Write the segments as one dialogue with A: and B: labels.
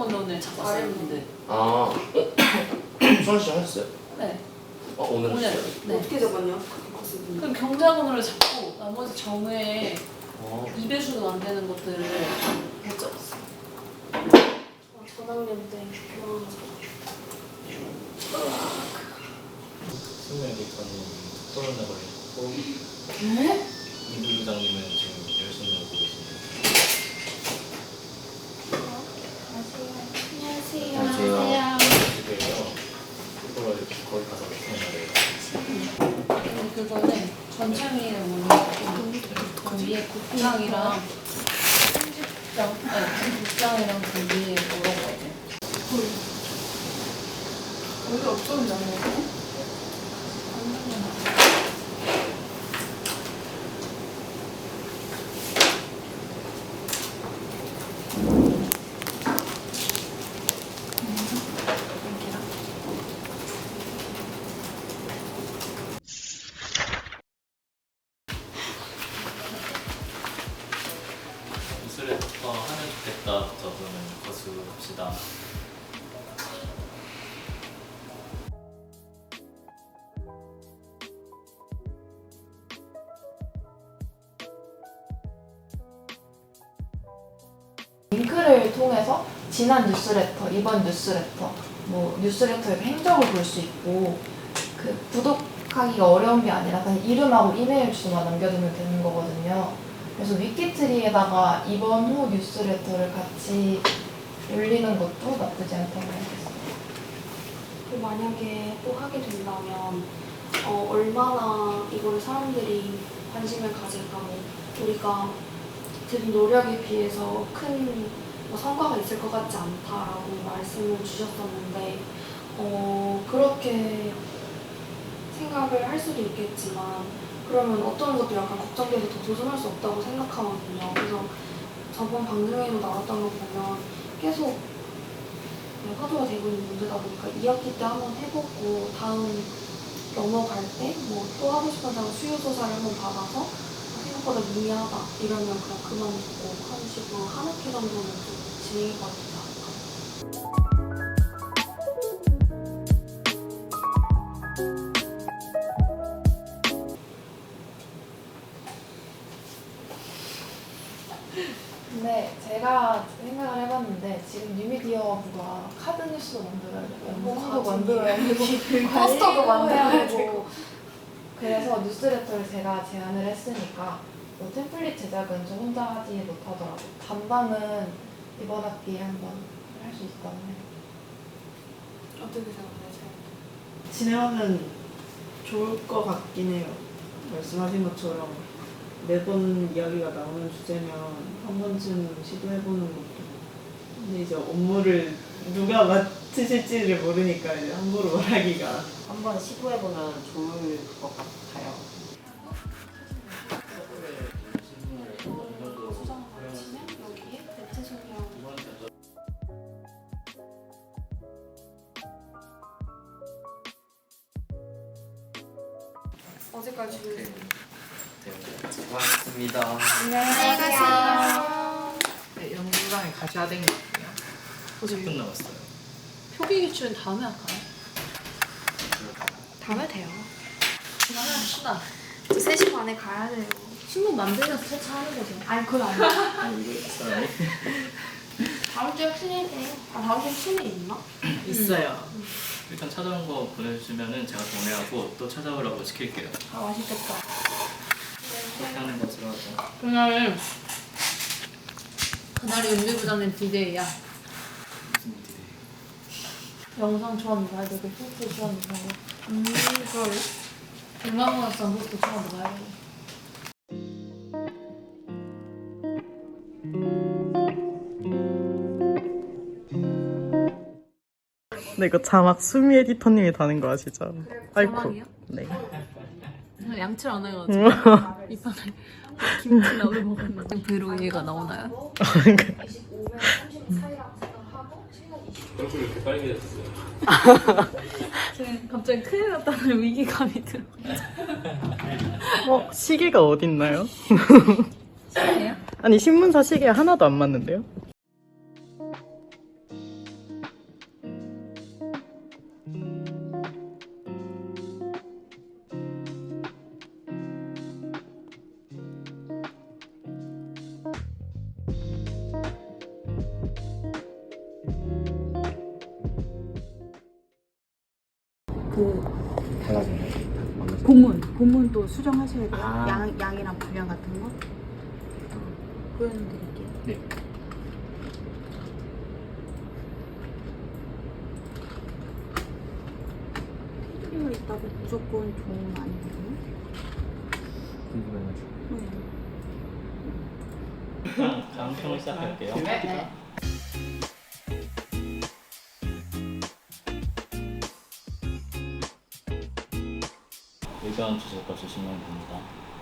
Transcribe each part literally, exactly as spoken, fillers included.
A: 건데 오늘 잡았었는데.
B: 아, 어? 수환 씨 하셨어요?
A: 네.
B: 어, 오늘
A: 오늘.
B: 했어요?
A: 네.
C: 어떻게 잡았냐?
A: 그럼 경자근으로 잡고 나머지 점에
B: 어.
A: 이 배수도 안 되는 것들을 해적었어.
C: 전학년 때
D: 승무원님께서는 코로나 걸렸고
A: 네?
D: 이 부장님은 지금 열심히 오고 계십니다.
C: 안녕하세요.
B: 안녕하세요.
D: 그래서 그걸 거기 가서 생각을
A: 근데 그거는 전창이를 모르고 그 위에 국장이랑 편집장, 아니 국장이랑 그 위에 물어봐야 돼. 여기 어떤 장면이야?
D: 뉴스레터 하면 좋겠다부터 그러면 거수합시다.
E: 링크를 통해서 지난 뉴스레터, 이번 뉴스레터, 뭐 뉴스레터의 행적을 볼 수 있고 그 구독하기가 어려운 게 아니라 그냥 이름하고 이메일 주소만 남겨두면 되는 거거든요. 그래서 위키트리에다가 이번 후 뉴스레터를 같이 올리는 것도 나쁘지 않다고 생각했어요.
C: 그 만약에 또 하게 된다면 어, 얼마나 이걸 사람들이 관심을 가질까, 뭐 우리가 들인 노력에 비해서 큰 뭐 성과가 있을 것 같지 않다라고 말씀을 주셨었는데 어, 그렇게 생각을 할 수도 있겠지만 그러면 어떤 것도 약간 걱정돼서 더 도전할 수 없다고 생각하거든요. 그래서 저번 방송에도 나왔던 거 보면 계속 화두가 되고 있는 문제다 보니까 이 학기 때 한번 해보고 다음 넘어갈 때 뭐 또 하고 싶은 사람 수요조사를 한번 받아서 생각보다 미미하다 이러면 그냥 그만두고 하는 식으로 한 학기 정도는 좀 진행해봐야 되지 않을까.
E: 근데 제가 생각을 해봤는데 지금 뉴미디어부가 카드 뉴스도 만들어야 되고 영상도 만들어야 되고 포스터도 만들어야 되고 그래서 뉴스레터를 제가 제안을 했으니까 뭐 템플릿 제작은 저 혼자 하지 못하더라도 담당은 이번 학기에 한번 할 수 있다고 해요.
C: 어떻게 생각하세요?
F: 진행하면 좋을 것 같긴 해요. 말씀하신 것처럼 매번 이야기가 나오는 주제면 한 번쯤 시도해보는 것도. 근데 이제 업무를 누가 맡으실지를 모르니까 이제 함부로 말하기가.
G: 한번 시도해보면 좋을 것 같아요.
C: 수정 치면 여기에 대체적이랑 어제까지
B: 고맙습니다.
C: 안녕하세요.
H: 네, 연구장에 가셔야 되는 것 같아요.
D: 오십 분 남았어요.
A: 표기 기출은 다음에 할까요?
C: 다음에 돼요.
A: 다음에 합시다.
C: 저 세 시 반에 가야 돼요.
A: 신문 만들면서 세차하는 거죠.
C: 아니 그건 아니에요.
D: 사람이
C: 다음 주에 풀리네. 아 다음 주에 풀리 있나?
H: 있어요.
D: 일단 찾아온 거 보내주시면은 제가 동의하고 또 찾아오라고 시킬게요.
C: 아 맛있겠다.
D: 그렇게 하는 것으로 하죠.
A: 그날은 그날이 윤비 부장님 디데이야.
D: 무슨 일이?
A: 영상 좋아하는 거 봐야 되고 포스트 좋아하는 거 봐야 되고
C: 음 그래.
A: 일만원상 포스트 좋아하는 거 봐야 되고
H: 근데 이거 자막 수미 에디터님이 다는 거 아시죠? 아이쿠.
A: 자막이요?
H: 네.
A: 양치를 안 해가지고 이판에 김치 나물 먹었는데 브이로그가 나오나요?
D: 얼굴이 이렇게 빨개졌어요.
A: 지금 갑자기 큰일 났다는 위기감이 들어.
H: 어, 시계가 어딨나요?
A: 시계요?
H: 아니, 신문사 시계 하나도 안 맞는데요?
I: 그
B: 달라졌나요?
I: 본문 본문도 수정하셔야 돼요.
B: 아.
I: 양 양이랑 분량 같은 거 보여드릴게요.
B: 네.
I: 테두리가 있다고 무조건 좋은 아니에요?
B: 궁금해가지고.
I: 네.
D: 다음, 다음 평을 시작할게요.
A: 네.
D: 의견 주실 거 주시면 됩니다.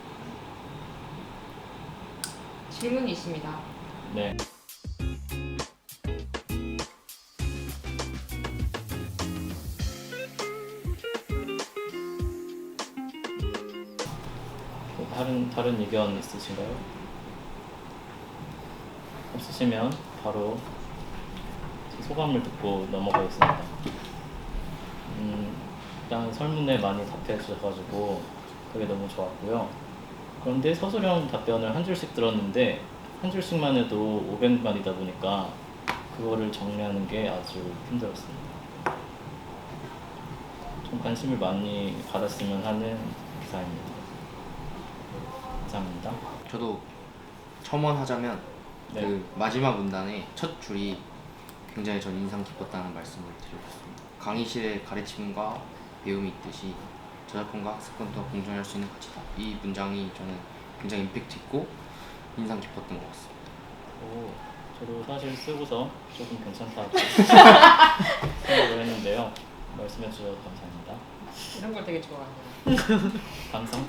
A: 질문이 있습니다.
D: 네. 다른 다른 의견 있으신가요? 없으시면 바로 제 소감을 듣고 넘어가겠습니다. 음, 일단 설문에 많이 답해 주셔가지고 그게 너무 좋았고요. 그런데 서술형 답변을 한 줄씩 들었는데 한 줄씩만 해도 오백 마디다 보니까 그거를 정리하는 게 아주 힘들었습니다. 좀 관심을 많이 받았으면 하는 기사입니다. 감사합니다.
B: 저도 첨언하자면
D: 네.
B: 그 마지막 문단의 첫 줄이 굉장히 전 인상 깊었다는 말씀을 드리고 싶습니다. 강의실의 가르침과 배움이 있듯이 저작권과 학습권도 공존할 수 있는 가치다. 이 문장이 저는 굉장히 임팩트 있고 인상 깊었던 것 같습니다.
D: 오, 저도 사실 쓰고서 조금 괜찮다고 생각을 했는데요. 말씀해 주셔서 감사합니다.
A: 이런 걸 되게 좋아하네요.
D: 감상?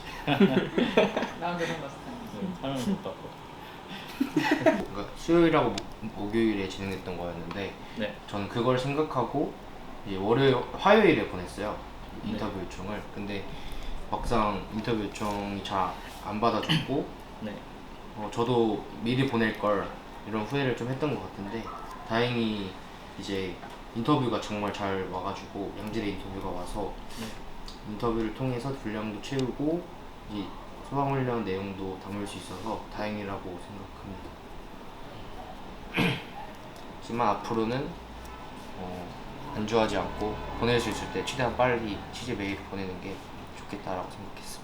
A: 나온 그런 거 스타일.
D: 네, 사람을 못 받고.
B: 그러니까 수요일하고 목- 목요일에 진행됐던 거였는데
D: 네.
B: 저는 그걸 생각하고 이제 월요일, 화요일에 보냈어요.
D: 네.
B: 인터뷰 요청을. 근데 막상 인터뷰 요청이 잘 안 받아줬고
D: 네.
B: 어, 저도 미리 보낼 걸 이런 후회를 좀 했던 것 같은데 다행히 이제 인터뷰가 정말 잘 와가지고 양질의 인터뷰가 와서
D: 네.
B: 인터뷰를 통해서 분량도 채우고 이 소방훈련 내용도 담을 수 있어서 다행이라고 생각합니다. 하지만 앞으로는 어, 안주하지 않고 보낼 수 있을 때 최대한 빨리 취재 메일을 보내는 게 좋겠다라고 생각했습니다.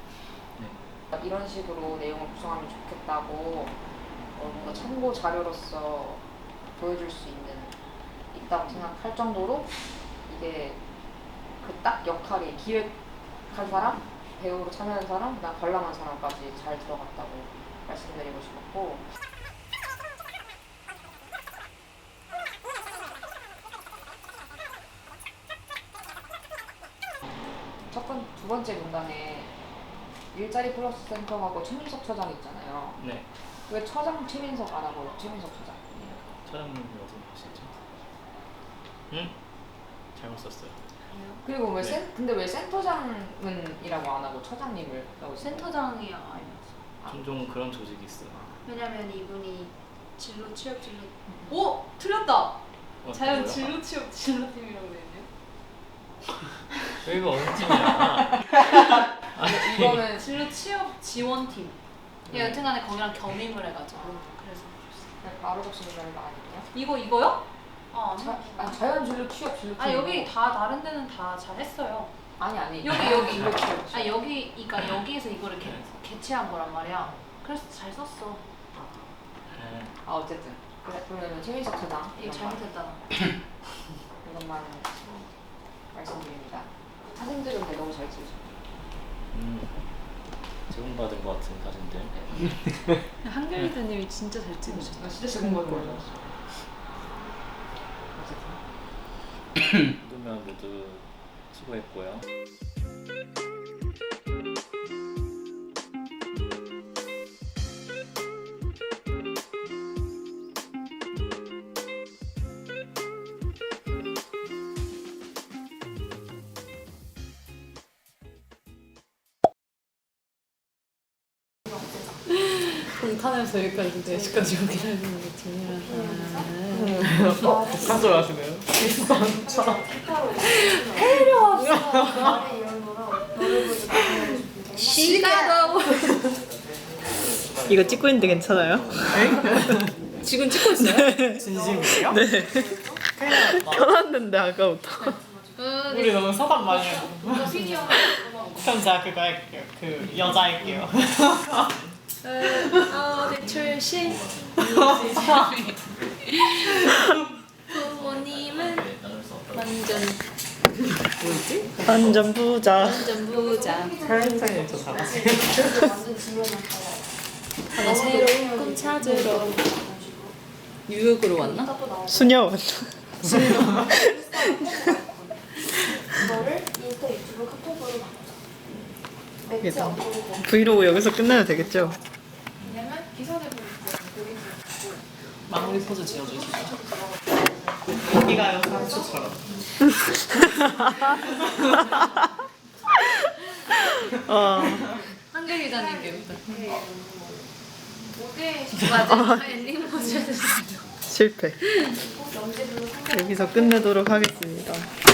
A: 이런 식으로 내용을 구성하면 좋겠다고 어, 뭔가 참고 자료로서 보여줄 수 있는 있다고 생각할 정도로 이게 그 딱 역할이 기획한 사람, 배우로 참여한 사람, 그다음 관람한 사람까지 잘 들어갔다고 말씀드리고 싶었고 첫 번, 두 번째 문단에 일자리 플러스 센터하고 최민석 처장 있잖아요.
D: 네.
A: 왜 처장 최민석 안 하고 최민석 처장?
D: 차장님이 어디 계시죠? 응? 잘못 썼어요.
A: 그리고 왜
D: 네.
A: 센, 근데 왜 센터장은이라고 안 하고 처장님을 하고 있어요?
I: 센터장이 아니었어.
D: 종종 그런 조직이 있어요.
I: 왜냐면 이분이 진로 취업 진로 오 틀렸다.
D: 어,
I: 자연
D: 뭐야?
I: 진로 취업 진로팀이라고 되는데요.
D: 여기가 어느 팀이야?
A: 이거는
I: 진로 취업 지원팀. 예, 여튼간에 거기랑 겸임을 해가지고 그래서
A: 그냥 바로 적시는 거 아니에요?
I: 이거 이거요? 아 아니.
A: 자, 아니 자연 진로 취업 진로
I: 아 여기 다 다른 데는 다 잘했어요.
A: 아니 아니
I: 여기 여기
A: 진로 취업
I: 아 여기 그러니까 여기에서 이거를 개, 개최한 거란 말이야. 그래서 잘 썼어.
D: 네.
A: 아 어쨌든 그래, 그러면 최민석 처장
I: 이거 잘못했다.
A: 이것만 말씀드립니다. 사진들은 근데 너무 잘 찍으셨어요.
D: 음, 제공받은 것 같은 사진들.
I: 한결 리더님이 진짜 잘 찍으셨다.
A: 나 진짜 제공 받은 거예요.
D: 모두면 모두 수고했고요.
E: 공탄에서 여기까지 네 시까지 오긴 했는데 중요하다.
H: 가져 하시네요.
E: 시가도
H: 이거 찍고 있는데 괜찮아요?
E: 지금 찍고 있어요?
H: 진심이에요? 네. 켜놨는데 아까부터. 우리 너무 소감 많이 하고. 그럼 제가 그거 할게요. 그 여자 할게요.
I: 어디 출신? 부모님은 완전
H: 완전 부자.
I: 완전 부자.
H: 사연사연 저 잘하세요.
I: 하나 새로운 꿈 찾으러 뉴욕으로 왔나?
H: 수녀.
C: 이거를 인스타, 유튜브, 카톡으로 나눠. 매체 업로드.
H: 브이로그 여기서 끝내도 되겠죠?
C: 왜냐면 기사를 보고 그림을 보고
H: 마무리 포즈 지어주시죠. 여기가요, 상추처럼. 어.
I: 한글 기자님 게
C: 무대
I: 맞아. 엔딩 포즈 해주세요.
H: 실패. 여기서 끝내도록 하겠습니다.